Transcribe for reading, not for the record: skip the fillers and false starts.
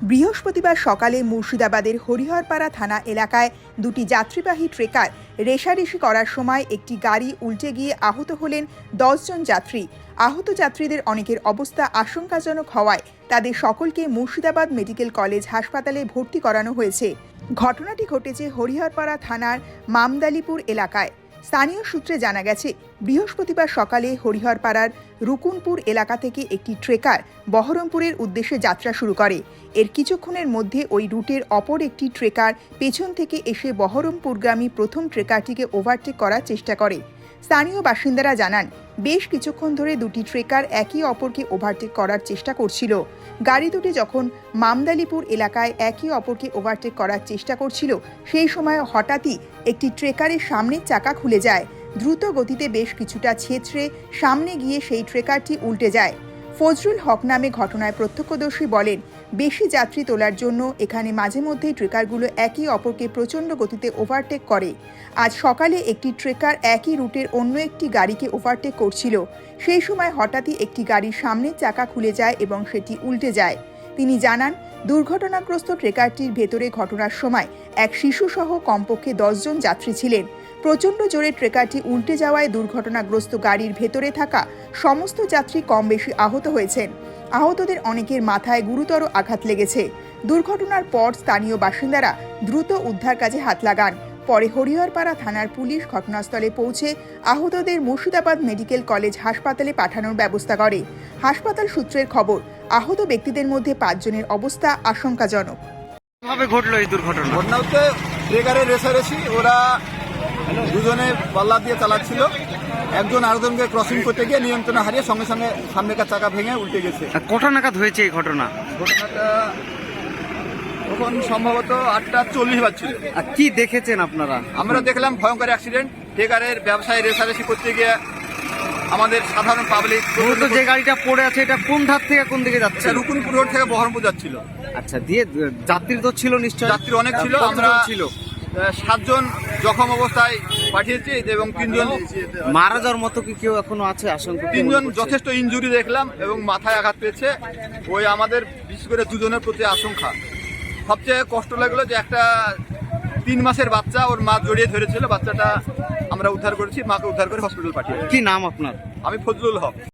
বৃহস্পতিবার সকালে মুর্শিদাবাদের হরিহরপাড়া থানা এলাকায় দুটি যাত্রীবাহী ট্রেকার রেষারেষি করার সময় একটি গাড়ি উল্টে গিয়ে আহত হলেন 10 জন যাত্রী। আহত যাত্রীদের অনেকের অবস্থা আশঙ্কাজনক হওয়ায় তাদের সকলকে মুর্শিদাবাদ মেডিকেল কলেজ হাসপাতালে ভর্তি করানো হয়েছে। ঘটনাটি ঘটেছে হরিহরপাড়া থানার মামদালিপুর এলাকায়। স্থানীয় সূত্রে জানা গেছে, বৃহস্পতিবার সকালে হরিহরপাড়ার রুকুনপুর এলাকা থেকে একটি ট্রেকার বহরমপুরের উদ্দেশ্যে যাত্রা শুরু করে। এর কিছুক্ষণের মধ্যে ওই রুটের অপর একটি ট্রেকার পেছন থেকে এসে বহরমপুরগামী প্রথম ট্রেকারটিকে ওভারটেক করার চেষ্টা করে। স্থানীয় বাসিন্দারা জানান, বেশ কিছুক্ষণ ধরে দুটি ট্রেকার একে অপরকে ওভারটেক করার চেষ্টা করছিল। গাড়ি দুটি যখন মামদালিপুর এলাকায় একে অপরকে ওভারটেক করার চেষ্টা করছিল, সেই সময় হঠাৎই একটি ট্রেকারের সামনের চাকা খুলে যায়। দ্রুত গতিতে বেশ কিছুটা ছেঁচড়ে সামনে গিয়ে সেই ট্রেকারটি উল্টে যায়। ফজলুল হক নামে ঘটনায় প্রত্যক্ষদর্শী বলেন, বেশি যাত্রী তোলার জন্য এখানে মাঝে মধ্যেই ট্রেকারগুলো একে অপরকে প্রচণ্ড গতিতে ওভারটেক করে। আজ সকালে একটি ট্রেকার একই রুটের অন্য একটি গাড়িকে ওভারটেক করছিল। সেই সময় হঠাৎই একটি গাড়ির সামনের চাকা খুলে যায় এবং সেটি উল্টে যায়। তিনি জানান, দুর্ঘটনাগ্রস্ত ট্রেকারটির ভেতরে ঘটনার সময় এক শিশুসহ কমপক্ষে 10 জন যাত্রী ছিলেন। প্রচণ্ড জোরে ট্রেকারটি উল্টে যাওয়ায় দুর্ঘটনাগ্রস্ত গাড়ির ভেতরে থাকা সমস্ত যাত্রী কম বেশি আহত হয়েছেন। আহতদের অনেকের মাথায় গুরুতর আঘাত লেগেছে। দুর্ঘটনার পর স্থানীয় বাসিন্দারা দ্রুত উদ্ধার কাজে হাত লাগান। পরে হরিহরপাড়া থানার পুলিশ ঘটনাস্থলে পৌঁছে আহতদের মুর্শিদাবাদ মেডিকেল কলেজ হাসপাতালে পাঠানোর ব্যবস্থা করে। হাসপাতাল সূত্রের খবর, আহত ব্যক্তিদের মধ্যে 5 জনের অবস্থা আশঙ্কাজনক। কিভাবে ঘটলো এই দুর্ঘটনা? ঘটনা হচ্ছে ট্রেকারের রেষারেষি, ওরা দুজনে পাল্লা দিয়ে চালাচ্ছিল। একজন আরেকজনকে ক্রসিং করতে গিয়ে নিয়ন্ত্রণ হারিয়ে সঙ্গে সঙ্গে সামনেকার চাকা ভেঙে উল্টে গেছে। কটা নাগাদ হয়েছে এই ঘটনা? ঘটনাটা তখন সম্ভবত 8:40 বাজছিল। আর কি দেখেছেন আপনারা? আমরা দেখলাম ভয়ঙ্কর অ্যাক্সিডেন্ট। ট্রেকারের ব্যবসায় রেষারেষি করতে গিয়ে আমাদের সাধারণ পাবলিক, মূলত যে গাড়িটা পড়ে আছে এটা কোন ধার থেকে কোন দিকে যাচ্ছে? রুকুনপুর রোড থেকে বহরমপুর যাচ্ছিল। আচ্ছা, দিয়ে যাত্রী তো ছিল নিশ্চয়? যাত্রী অনেক ছিল। কতজন আমরা ছিল? 7 জন জখম অবস্থায় পাঠিয়েছি এবং 3 জন মারা যাওয়ার মতো কি কেউ এখনো আছে আশঙ্কা? 3 জন যথেষ্ট ইনজুরি দেখলাম এবং মাথায় আঘাত পেয়েছে। ওই আমাদের বিশেষ করে 2 জনের প্রতি আশঙ্কা। সবচেয়ে কষ্ট লাগলো যে একটা 3 মাসের বাচ্চা, ওর মা জড়িয়ে ধরেছিল। বাচ্চাটা আমরা উদ্ধার করেছি, মাকে উদ্ধার করে হসপিটাল পাঠিয়েছি। কি নাম আপনার? আমি ফজলুল হক।